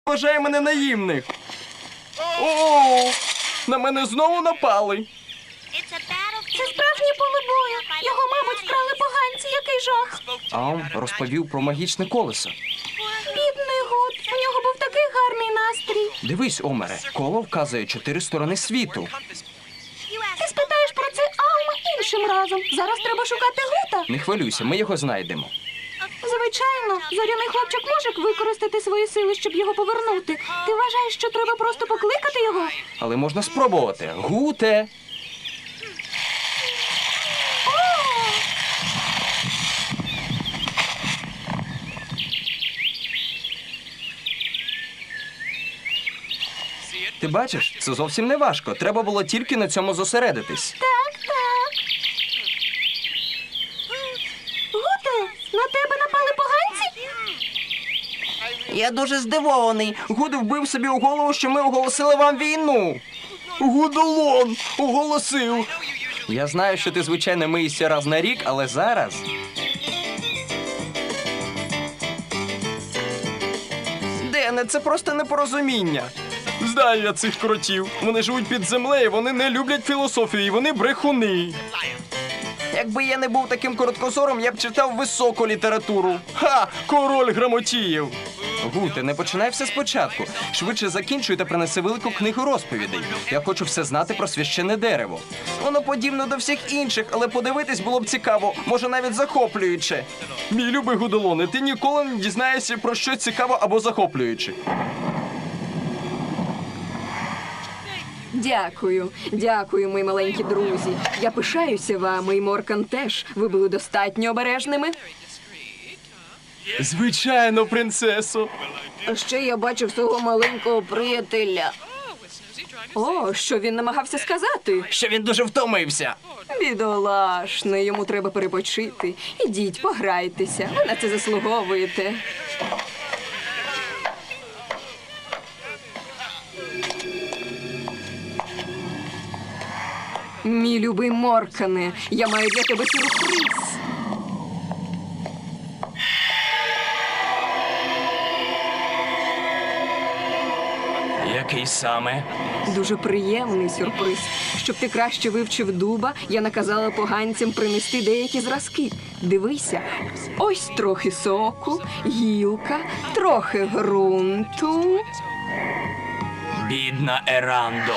вважає мене наївних. О, на мене знову напали. Це справжнє поле бою. Його, мабуть, вкрали поганці. Який жах. Ам розповів про магічне колесо. Бідний Гуд. У нього був такий гарний настрій. Дивись, Омере, коло вказує 4 сторони світу. Ти спитаєш про це Алма іншим разом. Зараз треба шукати Гута. Не хвилюйся, ми його знайдемо. Звичайно, зоряний хлопчик може використати свої сили, щоб його повернути. Ти вважаєш, що треба просто покликати його? Але можна спробувати. Гуте! Ти бачиш, це зовсім не важко. Треба було тільки на цьому зосередитись. Так, так. Гуте, на тебе напали поганці? Я дуже здивований. Гуд вбив собі у голову, що ми оголосили вам війну. Гудолон оголосив. Я знаю, що ти, звичайно, миєшся раз на рік, але зараз... Дене, це просто непорозуміння. Знаю я цих кротів. Вони живуть під землею, вони не люблять філософію, і вони брехуни. Якби я не був таким короткозором, я б читав високу літературу. Ха! Король грамотіїв! Гуте, не починай все спочатку. Швидше закінчуй та принеси велику книгу розповідей. Я хочу все знати про священне дерево. Воно подібне до всіх інших, але подивитись було б цікаво, може навіть захоплююче. Мій любий Гудолоне, ти ніколи не дізнаєшся про щось цікаве або захоплююче. Дякую. Дякую, мої маленькі друзі. Я пишаюся вами, і Моркан теж. Ви були достатньо обережними. Звичайно, принцесо. А ще я бачив свого маленького приятеля. О, що він намагався сказати? Що він дуже втомився. Бідолашний, йому треба перепочити. Ідіть, пограйтеся. Ви на це заслуговуєте. Мій любий Моркане, я маю для тебе сюрприз. Який саме? Дуже приємний сюрприз. Щоб ти краще вивчив дуба, я наказала поганцям принести деякі зразки. Дивися, ось трохи соку, гілка, трохи ґрунту. Бідна Ерандо.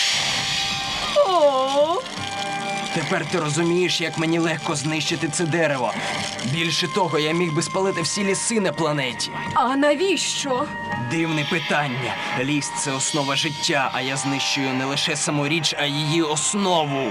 О! Тепер ти розумієш, як мені легко знищити це дерево. Більше того, я міг би спалити всі ліси на планеті. А навіщо? Дивне питання. Ліс – це основа життя, а я знищую не лише саму річ, а її основу.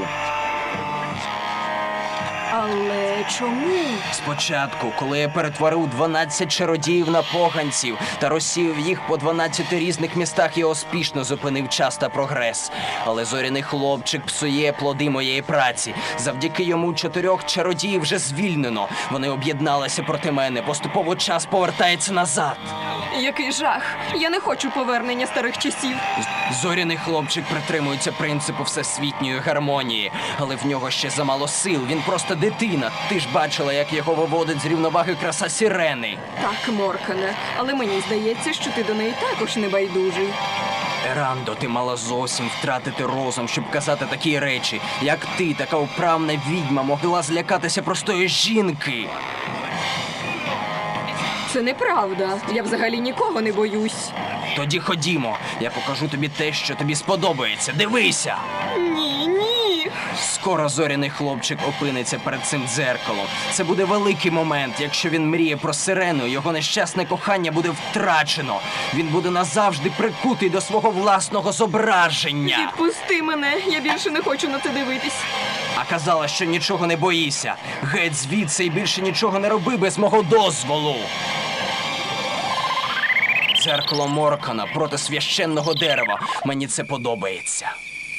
Але чому? Спочатку, коли я перетворив 12 чародіїв на поганців та розсіяв їх по 12 різних містах, я успішно зупинив час та прогрес. Але зоряний хлопчик псує плоди моєї праці. Завдяки йому 4 чародіїв вже звільнено. Вони об'єдналися проти мене. Поступово час повертається назад. Який жах! Я не хочу повернення старих часів. Зоряний хлопчик притримується принципу всесвітньої гармонії, але в нього ще замало сил, він просто дитина. Ти ж бачила, як його виводить з рівноваги краса сирени. Так, Моркане, але мені здається, що ти до неї також не байдужий. Ерандо, ти мала зовсім втратити розум, щоб казати такі речі. Як ти, така вправна відьма, могла злякатися простої жінки? Це неправда. Я взагалі нікого не боюсь. Тоді ходімо, я покажу тобі те, що тобі сподобається. Дивися! Ні, ні. Скоро зоряний хлопчик опиниться перед цим дзеркалом. Це буде великий момент. Якщо він мріє про сирену, його нещасне кохання буде втрачено. Він буде назавжди прикутий до свого власного зображення. Відпусти мене, я більше не хочу на це дивитись. А казала, що нічого не боїся. Геть звідси і більше нічого не роби без мого дозволу. Дзеркало Моркана проти священного дерева. Мені це подобається.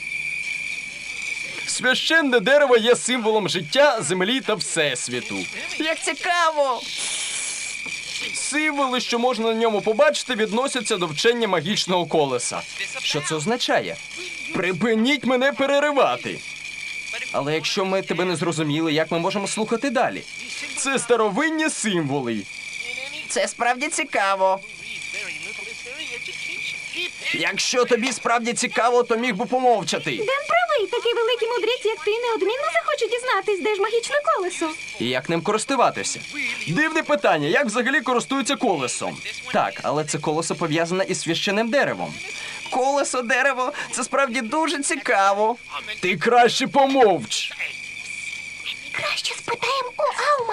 Священне дерево є символом життя, землі та всесвіту. Як цікаво! Символи, що можна на ньому побачити, відносяться до вчення магічного колеса. Що це означає? Припиніть мене переривати! Але якщо ми тебе не зрозуміли, як ми можемо слухати далі? Це старовинні символи. Це справді цікаво. Якщо тобі справді цікаво, то міг би помовчати. Ден правий, такий великий мудрець, як ти, неодмінно захоче дізнатись, де ж магічне колесо. І як ним користуватися? Дивне питання, як взагалі користуються колесом? Так, але це колесо пов'язане із священним деревом. Колесо, дерево, це справді дуже цікаво. Ти краще помовч. Краще спитаємо у Аума.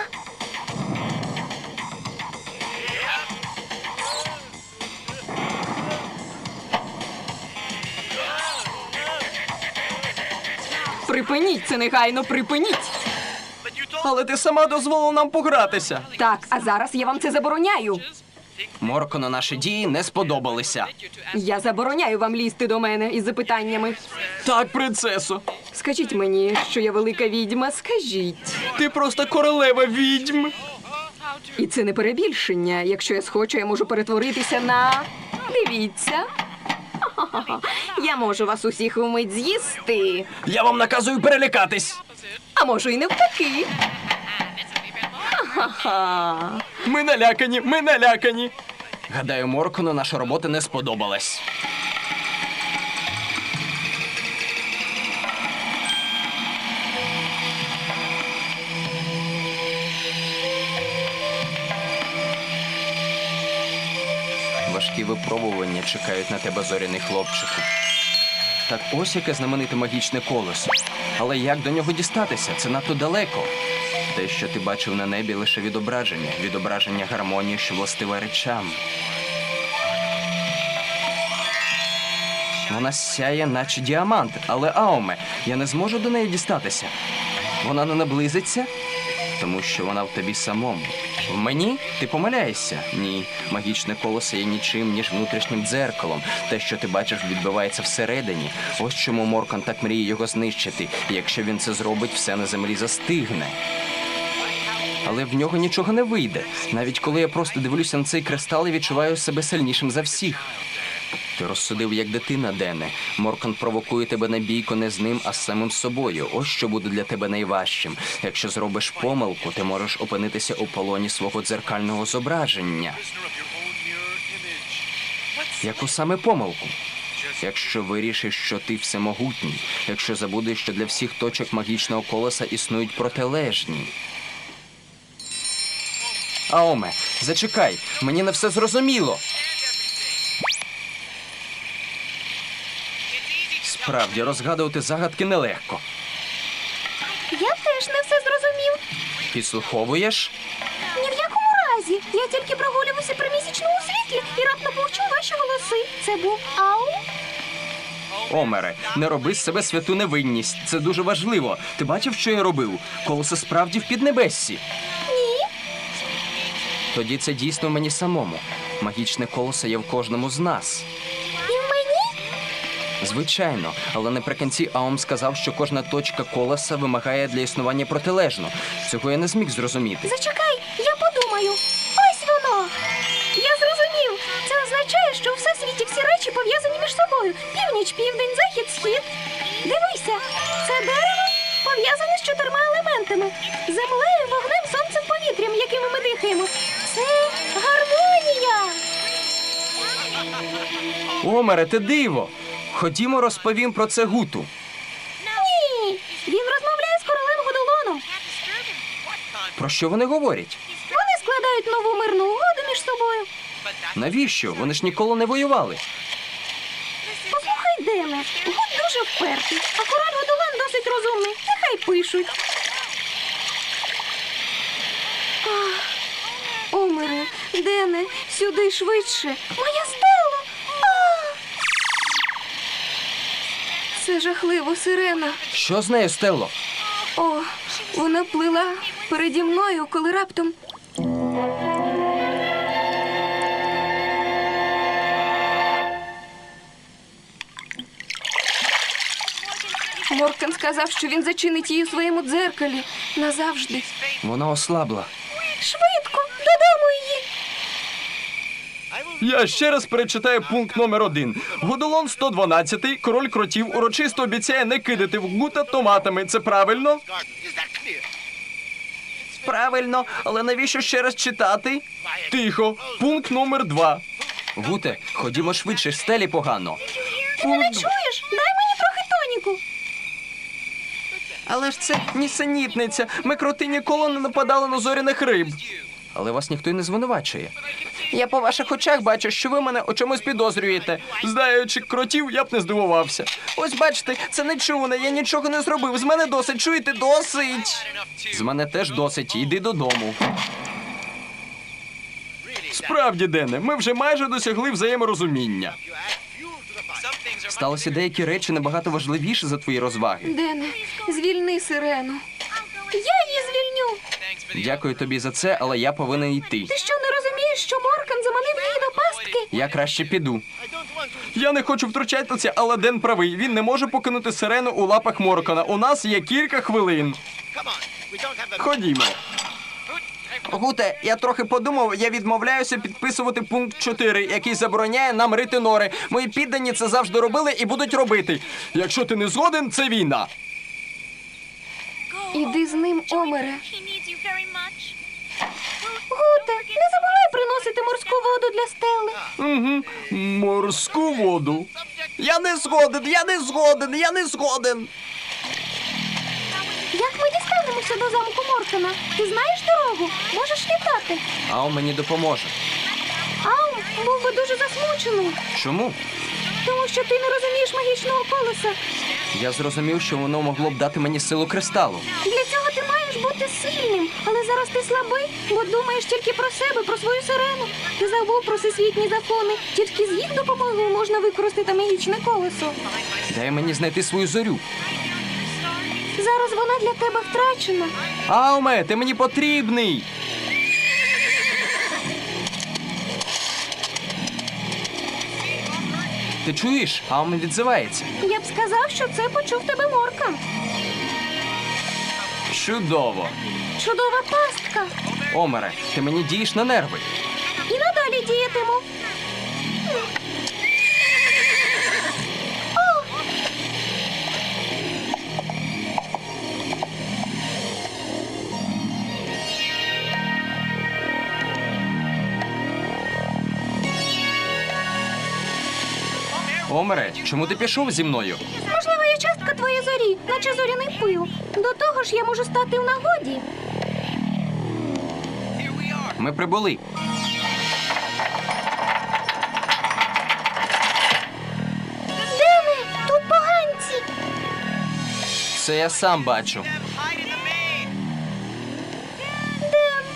Припиніть це негайно, припиніть! Але ти сама дозволила нам погратися. Так, а зараз я вам це забороняю. Моркону наші дії не сподобалися. Я забороняю вам лізти до мене із запитаннями. Так, принцесо, Скажіть мені, що я велика відьма, скажіть. ти просто королева відьм. І це не перебільшення. Якщо я схочу, я можу перетворитися на... Дивіться. Ха-ха-ха. Я можу вас усіх умить з'їсти. Я вам наказую перелякатись. А можу і навпаки. Ха-ха-ха. Ми налякані, ми налякані. Гадаю, Моркону наша робота не сподобалась. Важкі випробування чекають на тебе, зоряний хлопчику. Так ось яке знамените магічне колесо. Але як до нього дістатися? Це надто далеко. Те, що ти бачив на небі, лише відображення гармонії, що властива речам. Вона сяє, наче діамант, але Аоме, я не зможу до неї дістатися. Вона не наблизиться, тому що вона в тобі самому. В мені? Ти помиляєшся? Ні. Магічне колесо є нічим, ніж внутрішнім дзеркалом. Те, що ти бачиш, відбивається всередині. Ось чому Моркан так мріє його знищити. І якщо він це зробить, все на землі застигне. Але в нього нічого не вийде. Навіть коли я просто дивлюся на цей кристал і відчуваю себе сильнішим за всіх. Ти розсудив як дитина, Дене. Моркан провокує тебе на бійку не з ним, а з самим собою. Ось що буде для тебе найважчим. Якщо зробиш помилку, ти можеш опинитися у полоні свого дзеркального зображення. Яку саме помилку? Якщо вирішиш, що ти всемогутній, якщо забудеш, що для всіх точок магічного колеса існують протилежні. Аоме, зачекай, мені не все зрозуміло. Справді, розгадувати загадки нелегко. Я теж не все зрозумів. Підслуховуєш? Ні в якому разі. Я тільки прогулювався при місячному світлі і раптом почув ваші голоси. Це був Аум? Омере, не роби з себе святу невинність. Це дуже важливо. Ти бачив, що я робив? Колесо справді в піднебессі. Ні. Тоді це дійсно в мені самому. Магічне колесо є в кожному з нас. І в мені? Звичайно, але наприкінці Аум сказав, що кожна точка колеса вимагає для існування протилежно. Цього я не зміг зрозуміти. Зачекай, я подумаю. Ось воно. Я зрозумів. Це означає, що у всесвіті всі речі пов'язані між собою. Північ, південь, захід, схід. Дивися, це дерево пов'язане з 4 елементами. Землею, вогнем, сонцем, повітрям, якими ми дихаємо. Це гармонія. Омере, ти диво! Ходімо, розповім про це Гуту. Ні, він розмовляє з королем Годолоном. Про що вони говорять? Вони складають нову мирну угоду між собою. Навіщо? Вони ж ніколи не воювали. Послухай, Дене, Гуд дуже впертий, а король Годолон досить розумний. Нехай пишуть. Омере, Дене, сюди швидше. Моя Стелла! Це жахливо, сирена. Що з нею, Стелло? О, вона плила переді мною, коли раптом... Моркан сказав, що він зачинить її у своєму дзеркалі назавжди. Вона ослабла. Швидко, додому її. Я ще раз перечитаю пункт номер 1. Годолон 112, король кротів, урочисто обіцяє не кидати в Гута томатами. Це правильно? Правильно, але навіщо ще раз читати? Тихо. Пункт номер 2. Гуте, ходімо швидше, стелі погано. Ти мене чуєш? Дай мені трохи тоніку. Але ж це нісенітниця. Ми кроти ніколи не нападали на зоряних риб. Але вас ніхто й не звинувачує. Я по ваших очах бачу, що ви мене у чомусь підозрюєте. Знаючи кротів, я б не здивувався. Ось бачите, це нечуване, я нічого не зробив. З мене досить, чуєте, досить. З мене теж досить, йди додому. Справді, Дене, ми вже майже досягли взаєморозуміння. Сталося деякі речі набагато важливіші за твої розваги. Дене, звільни сирену. Я її звільню. Дякую тобі за це, але я повинен йти. Ти що, не розумієш, що Моркан заманив її до пастки? Я краще піду. Я не хочу втручатися, але Ден правий. Він не може покинути сирену у лапах Моркана. У нас є кілька хвилин. Ходімо. Гуте, я трохи подумав, я відмовляюся підписувати пункт 4, який забороняє нам рити нори. Мої піддані це завжди робили і будуть робити. Якщо ти не згоден, це війна. Іди з ним, Омере. Гуте, не забувай приносити морську воду для Стелли. Угу. Морську воду. Я не згоден, я не згоден, я не згоден. Як ми дістанемося до замку Моркана? Ти знаєш дорогу? Можеш літати. Ау мені допоможе. Ау, був би дуже засмучений. Чому? Тому що ти не розумієш магічного колеса. Я зрозумів, що воно могло б дати мені силу кристалу. Для цього ти маєш бути сильним. Але зараз ти слабий, бо думаєш тільки про себе, про свою сирену. Ти забув про всесвітні закони. Тільки з їх допомогою можна використати магічне колесо. Дай мені знайти свою зорю. Зараз вона для тебе втрачена. Ауме, ти мені потрібний. Ти чуєш? Ауме відзивається. Я б сказав, що це почув тебе Моркан. Чудово. Чудова пастка. Омере, ти мені дієш на нерви. І надалі діятиму. Омере, чому ти пішов зі мною? Можливо, я частка твоєї зорі, наче зоряний пил. До того ж, я можу стати в нагоді. Ми прибули. Дене, тут поганці. Це я сам бачу. Ден.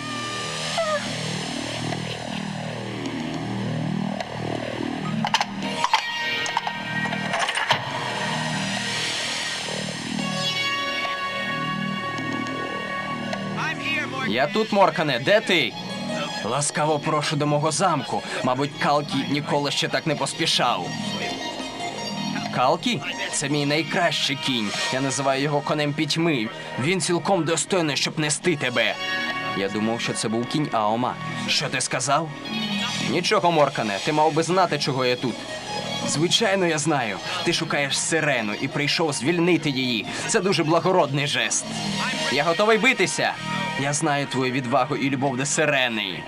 Я тут, Моркане, де ти? Ласкаво прошу до мого замку. Мабуть, Калкі ніколи ще так не поспішав. Калкі? Це мій найкращий кінь. Я називаю його конем пітьми. Він цілком достойний, щоб нести тебе. Я думав, що це був кінь Аома. Що ти сказав? Нічого, Моркане, ти мав би знати, чого я тут. Звичайно, я знаю. Ти шукаєш сирену і прийшов звільнити її. Це дуже благородний жест. Я готовий битися. Я знаю твою відвагу і любов до сирени.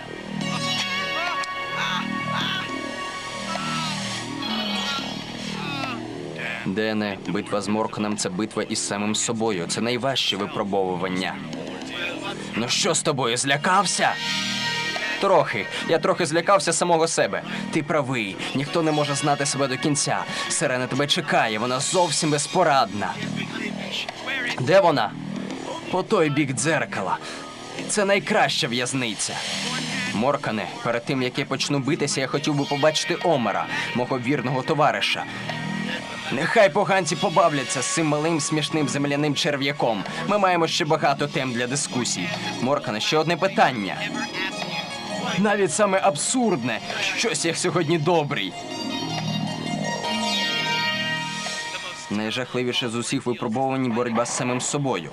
Дене, битва з Морканом – це битва із самим собою. Це найважче випробовування. Ну що з тобою, злякався? Трохи. Я трохи злякався самого себе. Ти правий. Ніхто не може знати себе до кінця. Сирена тебе чекає, вона зовсім безпорадна. Де вона? По той бік дзеркала. Це найкраща в'язниця. Моркане, перед тим, як я почну битися, я хотів би побачити Омера, мого вірного товариша. Нехай поганці побавляться з цим малим смішним земляним черв'яком. Ми маємо ще багато тем для дискусій. Моркане, ще одне питання. Навіть саме абсурдне. Щось я сьогодні добрий. Найжахливіше з усіх випробувань боротьба з самим собою.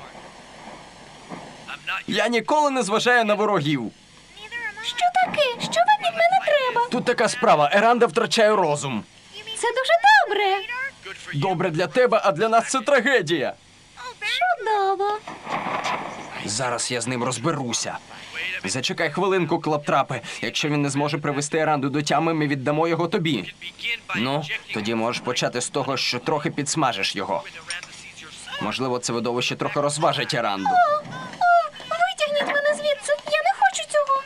Я ніколи не зважаю на ворогів. Що таке? Що вам від мене треба? Тут така справа. Еранда втрачає розум. Це дуже добре. Добре для тебе, а для нас це трагедія. Чудово. Зараз я з ним розберуся. Зачекай хвилинку, Клаптрапе. Якщо він не зможе привести Еранду до тями, ми віддамо його тобі. Ну, тоді можеш почати з того, що трохи підсмажиш його. Можливо, це видовище трохи розважить Еранду. Витягніть мене звідси. Я не хочу цього.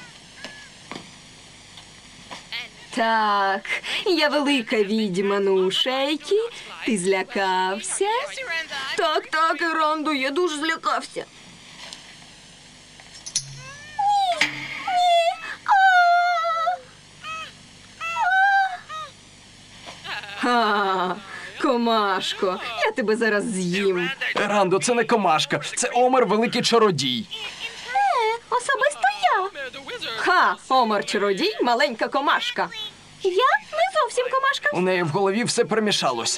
Так, я велика відьма, ну, Шейкі. Ти злякався? Так, Еранду, я дуже злякався. Ха, комашко, я тебе зараз з'їм. Ерандо, це не комашка, це Омер, великий чародій. Особисто я. Ха, Омар чародій, маленька комашка. Я не зовсім комашка. У неї в голові все перемішалося.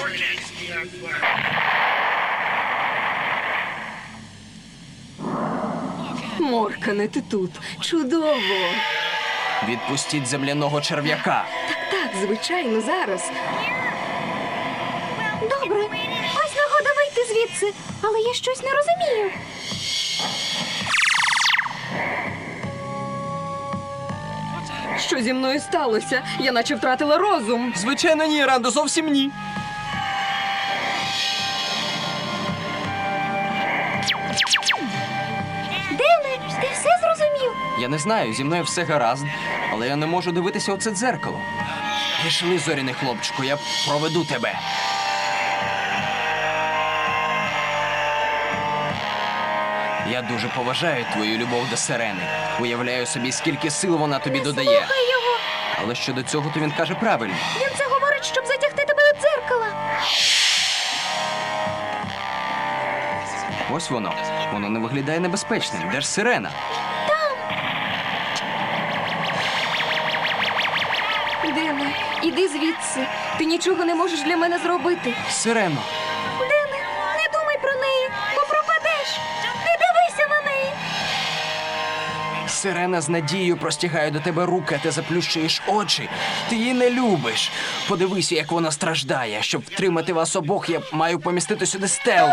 Моркане, ти тут. Чудово. Відпустіть земляного черв'яка. Так, звичайно, зараз. Добре. Ось нагода вийти звідси. Але я щось не розумію. Що зі мною сталося? Я наче втратила розум. Звичайно, ні, Ерандо, зовсім ні. Дене, ти все зрозумів? Я не знаю, зі мною все гаразд, але я не можу дивитися у це дзеркало. Пішли, зоряний хлопчику, я проведу тебе. Я дуже поважаю твою любов до Сирени. Уявляю собі, скільки сил вона тобі додає. Слухай його. Але щодо цього, то він каже правильно. Він це говорить, щоб затягти тебе до дзеркала. Ось воно. Воно не виглядає небезпечним. Де ж Сирена? Дене, іди звідси. Ти нічого не можеш для мене зробити. Сирено. Дене, не думай про неї, бо пропадеш. Не дивися на неї. Сирена з надією простягає до тебе руки, а ти заплющуєш очі. Ти її не любиш. Подивися, як вона страждає. Щоб втримати вас обох, я маю помістити сюди Стеллу.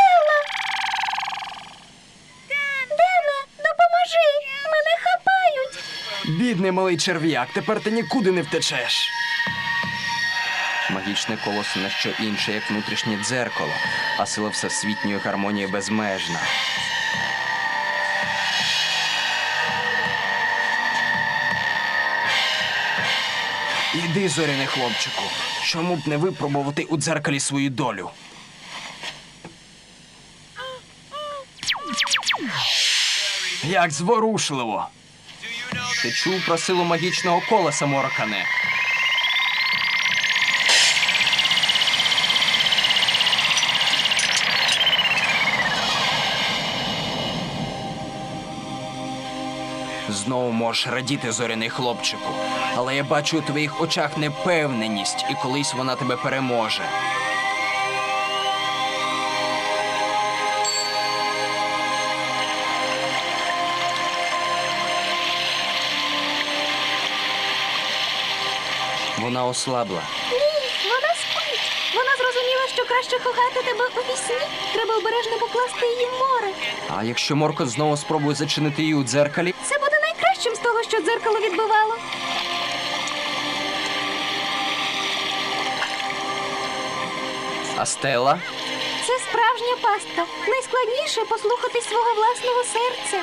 Дене, допоможи. Мене хапають. Бідний малий черв'як, тепер ти нікуди не втечеш. Магічне колесо не що інше, як внутрішнє дзеркало, а сила всесвітньої гармонії безмежна. Іди, зоряний хлопчику, чому б не випробувати у дзеркалі свою долю? Як зворушливо! Ти чув про силу магічного колеса, Моркане? Знову можеш радіти, зоряний хлопчику. Але я бачу у твоїх очах непевненість, і колись вона тебе переможе. Вона ослабла. Ні, вона спить. Вона зрозуміла, що краще кохати тебе у вісні. Треба обережно покласти її в море. А якщо Моркот знову спробує зачинити її у дзеркалі? Це буде найкращим з того, що дзеркало відбивало. А Стелла? Це справжня пастка. Найскладніше послухати свого власного серця.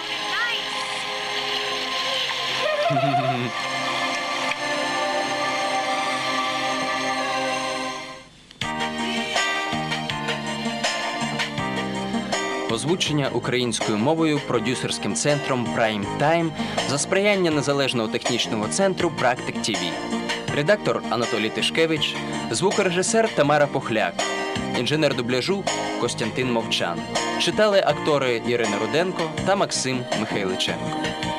Озвучення українською мовою продюсерським центром Prime Time за сприяння Незалежного технічного центру Практик ТВ. Редактор Анатолій Тишкевич, звукорежисер Тамара Похляк, інженер дубляжу Костянтин Мовчан. Читали актори Ірина Руденко та Максим Михайличенко.